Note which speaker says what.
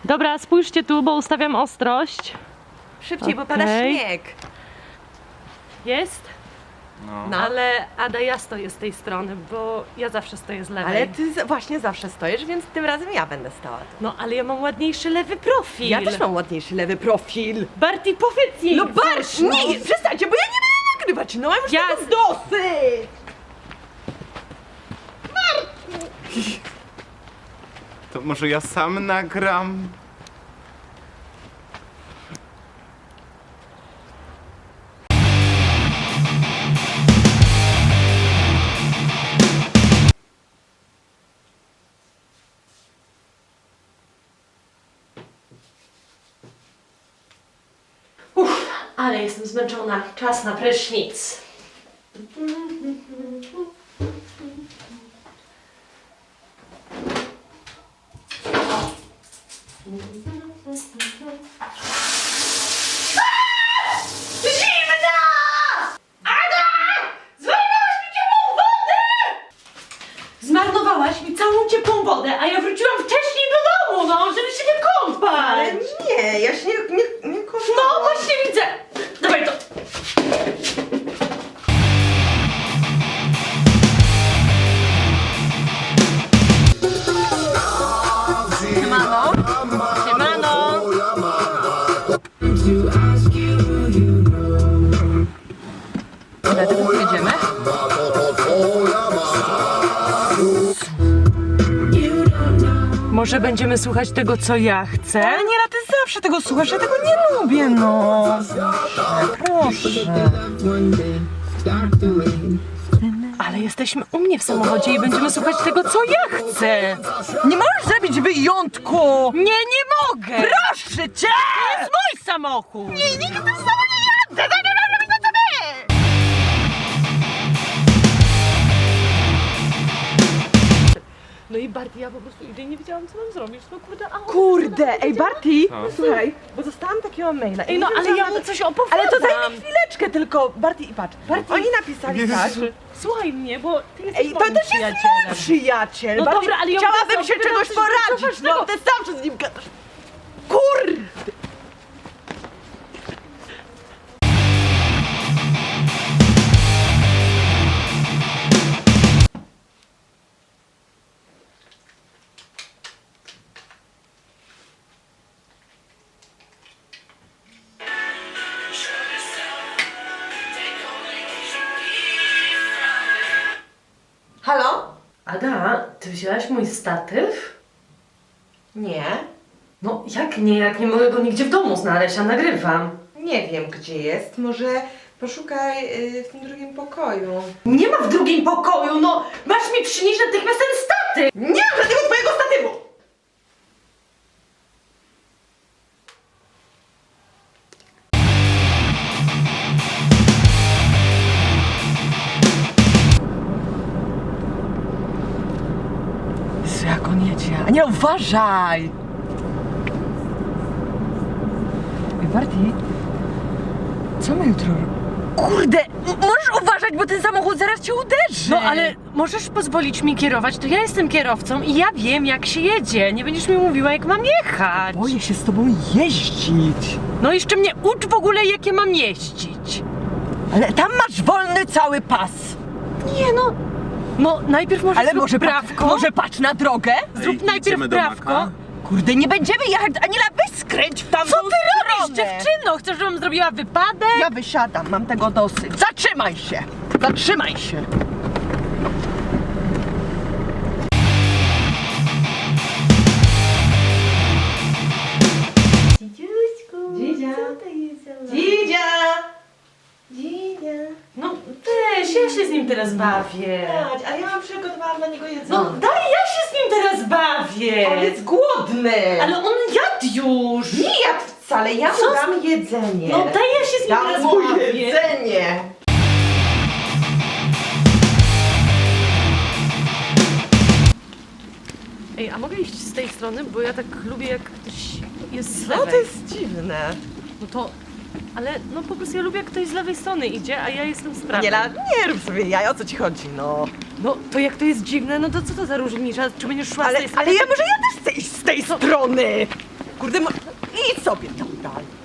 Speaker 1: Dobra, spójrzcie tu, bo ustawiam ostrość.
Speaker 2: Szybciej, bo pada
Speaker 1: Okej.
Speaker 2: śnieg.
Speaker 1: Jest?
Speaker 2: No.
Speaker 1: Ale Ada, ja stoję z tej strony, bo ja zawsze stoję z lewej.
Speaker 2: Ale ty właśnie zawsze stoisz, więc tym razem ja będę stała.
Speaker 1: No, ale ja mam ładniejszy lewy profil.
Speaker 2: Ja też mam ładniejszy lewy profil.
Speaker 1: Barty, powiedz jej
Speaker 2: No
Speaker 1: coś,
Speaker 2: Bart, nie, przestańcie, bo ja nie będę nagrywać, no mam już
Speaker 1: Ja
Speaker 2: tego dosyć.
Speaker 3: To może ja sam nagram?
Speaker 1: Ale jestem zmęczona. Czas na prysznic. Zimna! Ada! Zmarnowałaś mi ciepłą wodę! Zmarnowałaś mi całą ciepłą wodę, a ja wróciłam wcześniej do domu, no, żeby się wykąpać!
Speaker 2: Ale nie, ja się nie kocham.
Speaker 1: No właśnie widzę! Dawaj to!
Speaker 2: Siemano.
Speaker 1: Siemano!
Speaker 2: Dlatego tu jedziemy?
Speaker 1: Może będziemy słuchać tego, co ja chcę?
Speaker 2: Ale nie, ty zawsze tego słuchasz, ja tego nie lubię, no. Proszę.
Speaker 1: Ale jesteśmy u mnie w samochodzie i będziemy słuchać tego, co ja chcę!
Speaker 2: Nie możesz zrobić wyjątku!
Speaker 1: Nie mogę!
Speaker 2: Proszę cię!
Speaker 1: To jest mój samochód!
Speaker 2: Nie, nigdy z tobą nie jadę! Nie mam robić na tobie!
Speaker 1: No i Barty, ja po prostu idę i nie wiedziałam, co mam zrobić. No kurde, a on...
Speaker 2: Kurde, ej Barty,
Speaker 3: Co?
Speaker 2: słuchaj, bo dostałam takiego maila.
Speaker 1: Ej, no ale ja mu coś opowiadam!
Speaker 2: Ale to daj mi chwileczkę tylko, Barty i patrz.
Speaker 1: Barty,
Speaker 2: Oni napisali
Speaker 3: Jezus.
Speaker 2: tak.
Speaker 1: Słuchaj mnie, bo ty jesteś
Speaker 2: Ej, to
Speaker 1: moim
Speaker 2: też jest
Speaker 1: przyjacielem.
Speaker 2: mój przyjaciel.
Speaker 1: No
Speaker 2: Barty,
Speaker 1: dobra, ale ja
Speaker 2: chciałabym
Speaker 1: mówię,
Speaker 2: się
Speaker 1: co,
Speaker 2: czegoś
Speaker 1: coś
Speaker 2: poradzić, no
Speaker 1: ważnego.
Speaker 2: ty zawsze z nim gadasz. Kurde! Halo?
Speaker 1: Ada, ty wzięłaś mój statyw?
Speaker 2: Nie.
Speaker 1: No jak nie, jak nie mogę go nigdzie w domu znaleźć, a nagrywam.
Speaker 2: Nie wiem, gdzie jest. Może poszukaj w tym drugim pokoju.
Speaker 1: Nie ma w drugim pokoju, no! Masz mi przynieść natychmiast ten statyw!
Speaker 2: Nie mam żadnego twojego statywu! Jezu, jak on jedzie. A nie, uważaj! Ej, Barty, co my jutro... Kurde, możesz uważać, bo ten samochód zaraz cię uderzy!
Speaker 1: No ale możesz pozwolić mi kierować, to ja jestem kierowcą i ja wiem, jak się jedzie. Nie będziesz mi mówiła, jak mam jechać.
Speaker 2: Boję się z tobą jeździć.
Speaker 1: No jeszcze mnie ucz w ogóle, jakie mam jeździć.
Speaker 2: Ale tam masz wolny cały pas.
Speaker 1: Nie no. No najpierw może
Speaker 2: Ale
Speaker 1: zrób
Speaker 2: może
Speaker 1: prawko.
Speaker 2: może patrz na drogę?
Speaker 1: Zrób
Speaker 3: Ej,
Speaker 1: najpierw
Speaker 3: idziemy do
Speaker 1: prawko.
Speaker 3: Maka?
Speaker 2: Kurde, nie będziemy jechać. Aniela, weź skręć w tamtą
Speaker 1: Co ty robisz,
Speaker 2: stronę.
Speaker 1: dziewczyno? Chcesz, żebym zrobiła wypadek?
Speaker 2: Ja wysiadam, mam tego dosyć. Zatrzymaj się! Zatrzymaj się!
Speaker 1: Dzidzia.
Speaker 2: Dzidzia!
Speaker 1: No weź, ja się z nim teraz bawię.
Speaker 2: A ja mam przygotowane dla niego jedzenie.
Speaker 1: No daj, ja się z nim teraz bawię.
Speaker 2: On jest głodny!
Speaker 1: Ale on jadł już.
Speaker 2: nie jadł wcale, ja mu
Speaker 1: Co?
Speaker 2: dam jedzenie.
Speaker 1: No daj, ja się z nim
Speaker 2: dam
Speaker 1: teraz
Speaker 2: mu
Speaker 1: bawię.
Speaker 2: jedzenie!
Speaker 1: Ej, a mogę iść z tej strony? Bo ja tak lubię, jak ktoś jest z
Speaker 2: No
Speaker 1: lewej.
Speaker 2: to jest dziwne.
Speaker 1: No to... Ale no po prostu ja lubię, jak ktoś z lewej strony idzie, a ja jestem z prawej.
Speaker 2: Aniela, nie rób sobie jaj, o co ci chodzi, no.
Speaker 1: No to jak to jest dziwne, no to co to za różnica? Czy będziesz szła z tej strony?
Speaker 2: Ale ja może ja też chcę iść z tej strony! Kurde, idź sobie tam dalej.